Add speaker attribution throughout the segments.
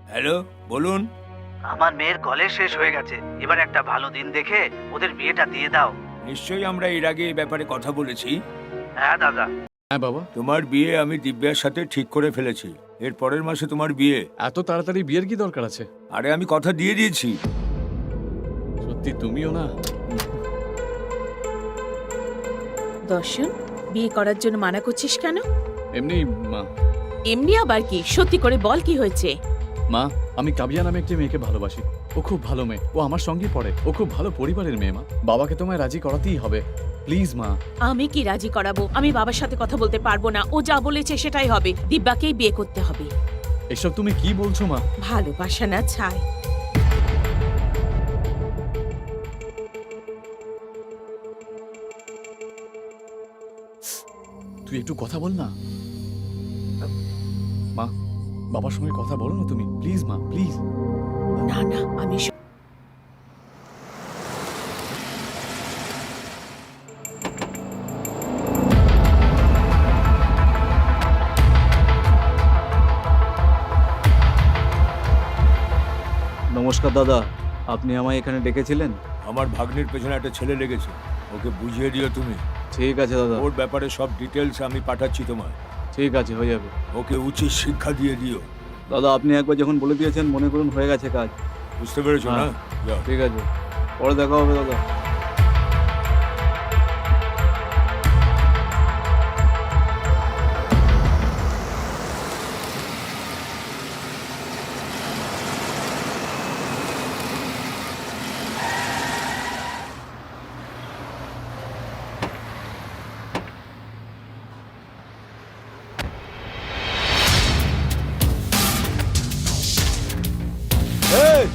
Speaker 1: Hello, বলুন।
Speaker 2: আমার মেয়ের কলেজ শেষ হয়ে গেছে, এবার একটা ভালো দিন দেখে ওদের বিয়েটা দিয়ে দাও।
Speaker 1: নিশ্চয়ই আমরা এর আগে এই ব্যাপারে কথা বলেছি।
Speaker 2: হ্যাঁ দাদা।
Speaker 3: হ্যাঁ বাবা।
Speaker 1: তোমার বিয়ে আমি দিব্যার সাথে ঠিক করে ফেলেছি। এর পরের মাসে তোমার বিয়ে।
Speaker 3: এত তাড়াতাড়ি বিয়ের কি দরকার আছে?
Speaker 1: আরে আমি কথা দিয়ে দিয়েছি।
Speaker 3: সত্যি তুমিও না।
Speaker 4: দর্শন, বিয়ে করার জন্য মানা করছিস কেন?
Speaker 3: এমনি মা।
Speaker 4: এমনি আবার কি? সত্যি করে বল, কি হয়েছে?
Speaker 3: মা, আমি কাবিয়া নামে একটি মেয়েকে ভালোবাসি। ও খুব ভালো মেয়ে, ও আমার সঙ্গেই পড়ে, ও খুব ভালো পরিবারের মেয়ে। মা, বাবাকে তোমায় রাজি করাতেই হবে, প্লিজ মা।
Speaker 4: আমি কি রাজি করাবো? আমি বাবার সাথে কথা বলতে পারবো না। ও যা বলেছে সেটাই হবে। দিব্যাকেই বিয়ে করতে হবে।
Speaker 3: এসব তুমি কি বলছো মা?
Speaker 4: ভালোবাসা না ছাই।
Speaker 3: তুই একটু কথা বল না। মা, বাবার সঙ্গে কথা বলো না তুমি, প্লিজ মা, প্লিজ।
Speaker 4: না না, আমি
Speaker 5: নমস্কার দাদা, আপনি আমায় এখানে ডেকেছিলেন?
Speaker 1: আমার ভাগ্নির পেছনে একটা ছেলে লেগেছে, ওকে বুঝিয়ে দিও তুমি।
Speaker 5: ঠিক আছে দাদা।
Speaker 1: ওর ব্যাপারে সব ডিটেলস আমি পাঠাচ্ছি তোমায়।
Speaker 5: ঠিক আছে, হয়ে যাবে।
Speaker 1: ওকে উচিত শিক্ষা দিয়ে দিও।
Speaker 5: দাদা, আপনি একবার যখন বলে দিয়েছেন, মনে করুন হয়ে গেছে কাজ।
Speaker 1: বুঝতে পেরেছো না?
Speaker 5: হ্যাঁ।
Speaker 1: যাও।
Speaker 5: ঠিক আছে, পরে দেখা হবে দাদা।
Speaker 1: এই!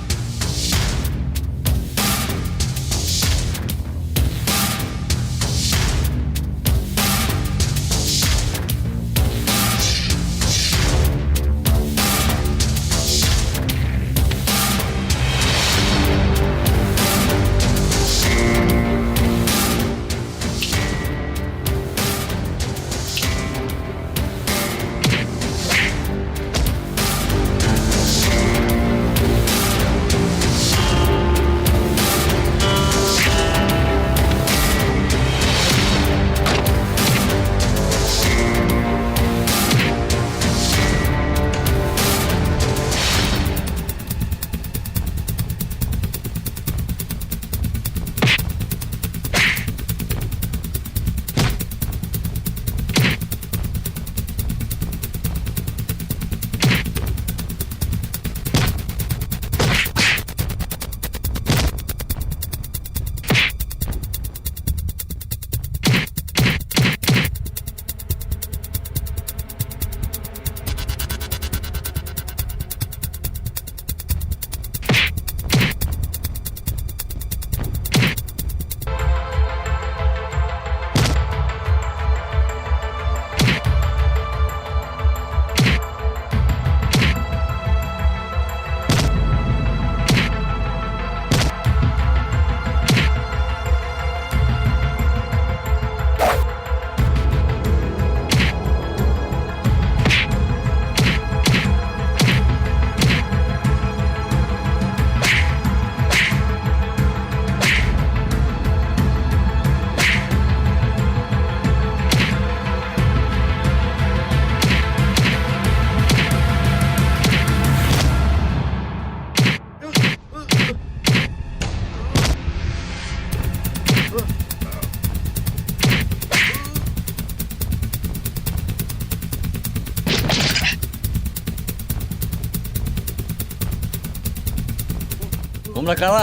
Speaker 3: তোমরা কারা?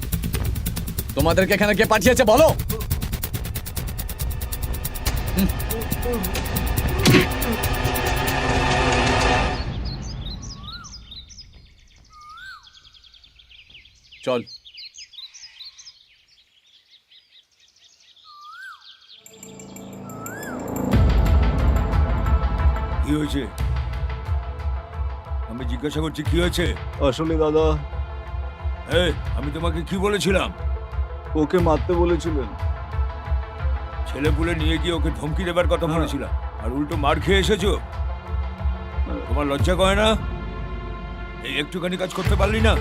Speaker 3: তোমাদেরকে এখানে কে পাঠিয়েছে বলো? চল।
Speaker 1: কি হয়েছে? আমি জিজ্ঞাসা করছি কি হয়েছে?
Speaker 5: আসলে দাদা,
Speaker 1: এই, আমি তোমাকে কি বলেছিলাম?
Speaker 5: ওকে মারতে বলেছিলেন।
Speaker 1: ছেলে পুলে নিয়ে গিয়ে ওকে ধমকি দেবার কথা বলেছিলাম, আর উল্টো মার খেয়ে এসেছো। তোমার লজ্জা করে না? এই একটুখানি কাজ করতে পারলি না?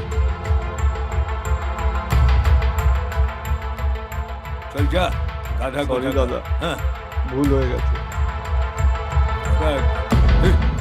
Speaker 1: চল যা, গাধা
Speaker 5: সরি
Speaker 1: কোথাকার।
Speaker 5: দাদা,
Speaker 1: হ্যাঁ
Speaker 5: ভুল হয়ে গেছে।
Speaker 1: দেখ, এই,